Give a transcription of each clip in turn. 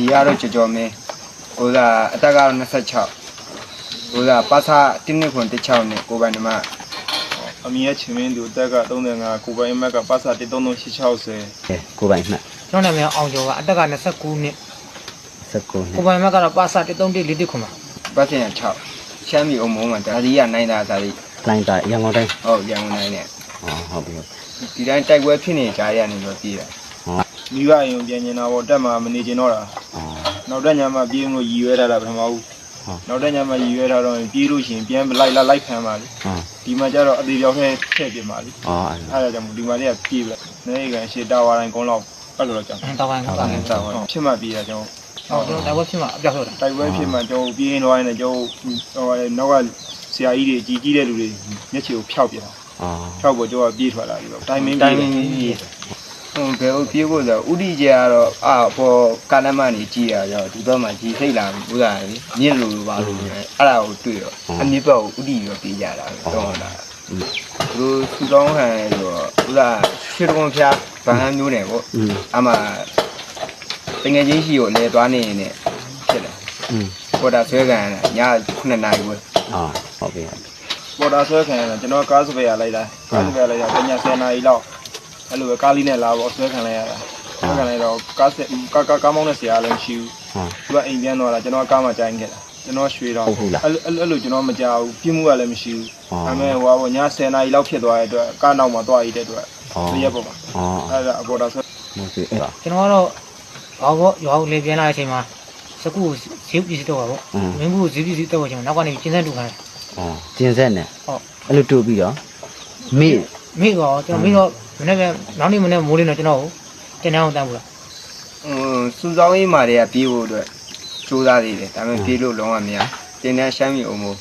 ဒီကတော့ကြော်မဲဟိုကအတက်က26ဟိုကပါစာတင်းနှစ်ခွန်16နဲ့ကိုပိုင်နမအမီရဲ့ချင်းမင်းသူတက်က35ကိုပိုင်မက်ကပါစာ13360 ကိုပိုင်မှတ်ကျွန်တော်နာမည်အောင်ကျော်ကအတက်က29နှစ် 19နှစ်ကိုပိုင်မက်ကတော့ပါစာ134ခွန်ပါပတ်စင်6ရှမ်းပြည်အုံမုံမှာဒါဒီကနိုင်တာဒါဒီလိုင်းတာရန်ကုန်တိုင်းဟုတ်ရန်ကုန်တိုင်းနဲ့ဟုတ်ပြီဒီတိုင်းတိုက်ပွဲဖြစ်နေကြရနေတော့ပြေးတာမိဘအိမ်ပြန်နေတာပေါ့တက်မှာမနေကျင်တော့တာနောက်တက်ညမှာပြေးလို့ရည်ရွယ်ထားတာပထမဦးနောက်တက်ညမှာရည်ရွယ်ထားတော့ပြေးလို့ရှိရင်ပြန်လိုက်ခံပါလေဒီမှာကျတော့အသေးပြောင်းထဲထည့်ပြပါလေအဲ့ဒါကြောင့်ဒီမှာလေးကပြေးပြီနေကန်ရှေ့တာဝါတိုင်းကုန်းလောက်အဲ့လိုတော့ကြောင်တာဝါတိုင်းဖြစ်မှပြေးတာကြောင်ဟုတ်ကျွန်တော်တိုက်ပွဲဖြစ်မှအပြောက်ဟုတ်တာတိုက်ပွဲဖြစ်မှကျွန်တော်ပြေးသွားရင်လည်းကျွန်တော်ဟိုနောက်ကဆရာကြီးတွေကြီးတဲ့လူတွေမျက်ခြေကိုဖျောက်ပြတာဖျောက်ဖို့ကျွန်တော်ပြေးထွက်လာပြီတော့တိုင်မင်းပြေးဟိုဘယ်လိုပြေးဖို့ဆိုဥတီကျကတော့ပေါ်ကာလမနေကြည့်ရတော့ဒီဘက်မှာကြီးစိတ်လာဘူးလားမြင့်လို့ပါလို့အဲ့ဒါကိုတွေ့တော့အမြင့်ဘက်ကိုဥတီရောပြေးကြတာတော့တာသူစူတောင်းဟန်ဆိုတော့ဥလားရှစ်တုံးဖျားဗဟန်းမျိုးနဲ့ပေါ့အမှတငယ်ချင်းရှိကိုလဲသွားနေနေဖြစ်တယ်ပေါ်တာဆွဲခံည9နာရီပဲဟုတ်ပြီပေါ်တာဆွဲခံကျွန်တော်ကားစပယ်ရလိုက်တာကားစပယ်လိုက်တာည10နာရီလောက်အဲ့လိုပဲကားလေးနဲ့လာပေါ့ဆွဲခံလိုက်ရတာဆွဲခံလိုက်တော့ကားမောင်းတဲ့ဆရာလည်းမရှိဘူးသူကအိမ်ပြန်တော့လာကျွန်တော်ကားမှကြိုင်းခဲ့တာကျွန်တော်ရွှေတော့အဲ့လိုကျွန်တော်မကြောက်ဘူးပြင်းမှုကလည်းမရှိဘူးဒါပေမဲ့ဟိုကည10နာရီလောက်ဖြစ်သွားတဲ့အတွက်ကားနောက်မှာသွားရတဲ့အတွက်တရက်ပေါ့ပါအဲ့ဒါအပေါ်တာဆွဲဟုတ်ပြီအဲ့ဒါကျွန်တော်ကတော့ဘာပေါ့ရွာကိုလေပြန်လာတဲ့အချိန်မှာစကူဈေးပစ္စည်းတော့ပါပေါ့မင်းဘူးဈေးပစ္စည်းတော့ကျွန်တော်နောက်ကနေကျင်းဆက်တူခိုင်းကျင်းဆက်နဲ့ဟုတ်အဲ့လိုတူပြီးတော့မိတော့ကျွန်တော်မိတော့မနေ့ကနောက်နေ့မနေ့မိုးလင်းတော့ကျွန်တော်ကိုတင်တန်းအောင်တန်းဘူးလားစူဆောင်းရေးမာတွေကပြေးဖို့အတွက်စူးစမ်းသေးတယ်ဒါပေမဲ့ပြေးလို့လုံးဝမရတင်တန်းရှမ်းပြည်အုံမို့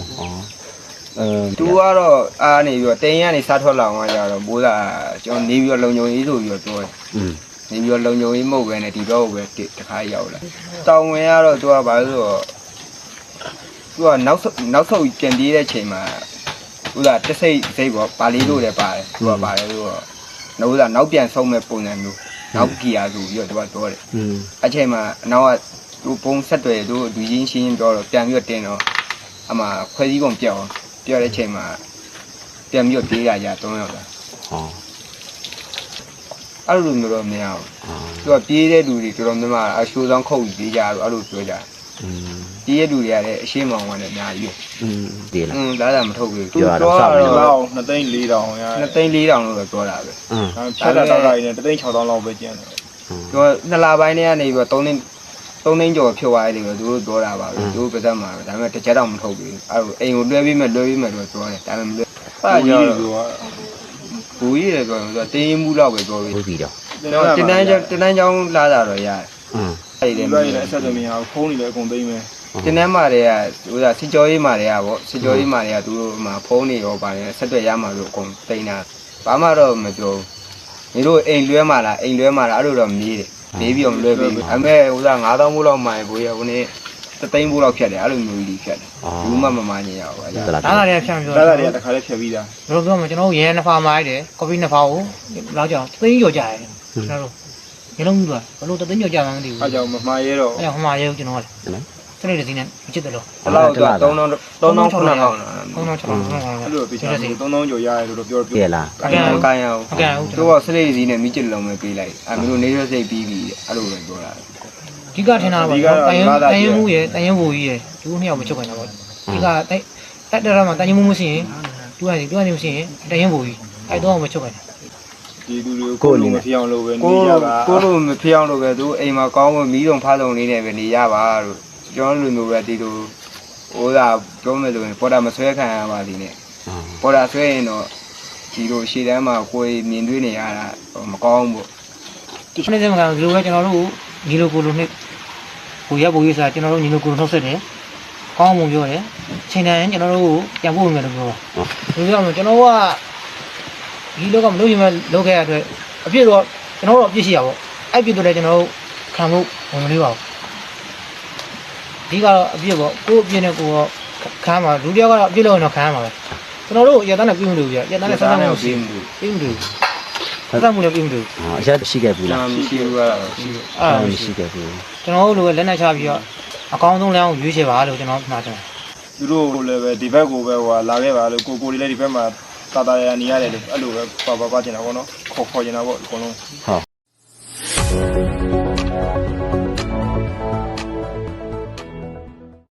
သူကတော့အားနေပြီးတော့တင်ရနေစားထွက်လာအောင်ကြတော့ဘိုးကကျွန်တော်နေပြီးတော့လုံုံရေးဆိုပြီးတော့ပြောတယ်နေပြီးတော့လုံုံရေးမဟုတ်ပဲနဲ့ဒီတော့ပဲတခါရောက်လာတောင်ဝင်ကတော့သူကဘာလို့ဆိုတော့သူကနောက်ဆုတ်ပြန်ပြေးတဲ့ချိန်မှာဥသာတစိတ်ပေါ့ပါလေးလို့လည်းပါတယ်သူကပါတယ်ဆိုတော့နောက်ပြန်ဆုံးမဲ့ပုံစံမျိုးနောက်ကြီးရဆိုပြီးတော့သူကပြောတယ်အချိန်မှာအနောက်ကသူပုံဆက်တွေသူလူချင်းရှင်းပြောတော့ပြန်ပြီးတော့တင်တော့အမှခွဲစည်းပုံပြောင်းတဲ့ချိန်မှာပြန်ပြီးတော့ပြေးရကြ3ယောက်လာအဲ့လိုမျိုးတော့မရဘူးသူကပြေးတဲ့လူတွေတော်တော်များများအရှိုးဆောင်ခုတ်ပြေးကြတော့အဲ့လိုပြောကြပြေးတဲ့လူတွေကလည်းအရှိမောင်ဝင်တယ်အများကြီးပြေးလာလာတာမထုတ်ဘူးသူတော့ 2သိန်း4တောင်ရ 2သိန်း4တောင်လို့ပဲပြောတာပဲဖြတ်တာတော့တိုင်းနဲ့3သိန်း6တောင်လောက်ပဲကျန်တယ်သူက2လပိုင်းတည်းကနေပြီးတော့3သိန်းကျော်ဖြုတ်သွားတယ်လို့သူတို့ပြောတာပါပဲသူတို့ပါသက်မှာဒါပေမဲ့တစ်ချက်တော့မထုတ်ဘူးအဲ့လိုအိမ်ကိုလွှဲပြီးမယ်လို့ပြောတယ်ဒါပေမဲ့အဲ့ကြောဘူကြီးတယ်ဆိုတော့တင်းမှုလောက်ပဲပြောပြီးတော့တင်တန်းချောင်းလာတာတော့ရတယ်အဲ့ဒီလည်းအဆက်သမီးဟာဖုန်းနေလည်းအကုန်သိမ်းမယ်တင်တန်းမာတွေကဟိုစစ်ကြောရေးမာတွေကပေါ့စစ်ကြောရေးမာတွေကသူတို့မှာဖုန်းနေရောပါတယ်ဆက်တွေ့ရမှာလို့အကုန်သိမ်းတာဘာမှတော့မပြောဘူးညီတို့အိမ်လွှဲမှာလားအဲ့လိုတော့မေးတယ်မေးပြီးတော့မလွှဲပေးဘူးအမေဟို9000ဘူးလောက်မှန်ဘူးရဟိုနေ့3သိန်းဘူးလောက်ဖြတ်တယ်အဲ့လိုမျိုးကြီးဖြတ်တယ်ဘူးမှမမှန်ညင်ရဘူးအဲ့ဒါဒါတွေကဖြတ်ပြောဒါတွေကတခါလေးဖြတ်ပြီးသားဘယ်လိုပြောမလဲကျွန်တော်ရဲ2ဖာမိုင်းတယ်ကော်ဖီ2ဖာကိုလောက်ကြောင်3သိန်းကျော်ကြရတယ်ကျွန်တော်တို့ညလုံးကြီးပါဘလို့3သိန်းကျော်ကြမှန်းမသိဘူးအဲ့ကြောင့်မမှားရဲတော့အဲ့ကြောင့်မမှားရဲဘူးကျွန်တော်ကလည်းစနေတစီနဲ့မချစ်တယ်လို့ဘယ်လောက်တော့3000 9000 9000အဲ့လိုပြချင်တယ်3000ကျော်ရတယ်လို့ပြောပြလားကိုင်းအောင်သူကစနေတစီနဲ့မိချစ်လုံးပဲပေးလိုက်အဲ့မျိုးနေရစိတ်ပြီးပြီအဲ့လိုပဲပြောတာအဓိကထင်တာပါတိုင်ရင်မှုရယ်တိုင်ရင်ဘူကြီးရယ်သူတို့နှစ်ယောက်မချုပ်နိုင်တော့ဘူးအဓိကတက်တရမှာတိုင်ရင်မှုမရှိရင်သူကနေမရှိရင်တိုင်ရင်ဘူကြီးအဲ့တော့မချုပ်နိုင်ဒီလူတွေကိုလိုမဖျောင်းလို့ပဲနေရပါကိုလိုမဖျောင်းလို့ပဲသူအိမ်မှာကောင်းမီးတုံဖားတုံလေးနဲ့ပဲနေရပါလို့ကျွန်တော်လူမျိုးပဲဒီလိုဟိုကပြောမယ်ဆိုရင်ပေါ်တာမဆွဲခံရပါသေးနဲ့ပေါ်တာဆွဲရင်တော့ဒီလိုရှေ့တန်းမှာကိုယ်မြင်တွေ့နေရတာမကောင်းဘူးဒီနေ့စမှာဒီလိုပဲကျွန်တော်တို့ညီလိုကိုလိုနဲ့ကိုရဖို့ရေးစားကျွန်တော်တို့ညီလိုကိုနှုတ်ဆက်တယ်ကောင်းမှုပြောတယ်ချိန်တိုင်းကျွန်တော်တို့ပြန်ဖို့မယ်လို့ပြောဒီလိုမျိုးကျွန်တော်ကဒီလောကမလို့ရင်မလုပ်ခဲ့ရတဲ့အပြစ်တော့ကျွန်တော်တို့အပြစ်ရှိရပါဘောအဲ့ပြစ်တော့လည်းကျွန်တော်တို့ခံဖို့ဝင်မလို့ပါဘူးဒီကတော့အပြစ်ပေါ့ကိုအပြစ်နဲ့ကိုခံမှာလူတယောက်ကတော့အပြစ်လို့တော့ခံမှာပဲကျွန်တော်တို့ရတန်းနဲ့ပြင်းမလို့ပြရတန်းနဲ့ဆက်ဆက်မလို့ပြီးမလို့သက်သက်မှုလည်းပြမှုလို့အရာရှိခဲ့ဘူးလားမရှိဘူးကတော့ရှိဘူးအဲ့ဒါမရှိခဲ့ဘူးကျွန်တော်တို့လိုပဲလက်နဲ့ချပြီးတော့အကောင်းဆုံးလမ်းကိုရွေးချယ်ပါလို့ကျွန်တော်မှာတယ်သူတို့လည်းပဲဒီဘက်ကိုပဲဟိုလာခဲ့ပါလို့ကိုလေးလည်းဒီဘက်မှာတာတာရနေရတယ်လို့အဲ့လိုပဲပါကျင်တာပေါ့နော်ခေါ်ကျင်တာပေါ့အကုန်လုံးဟုတ်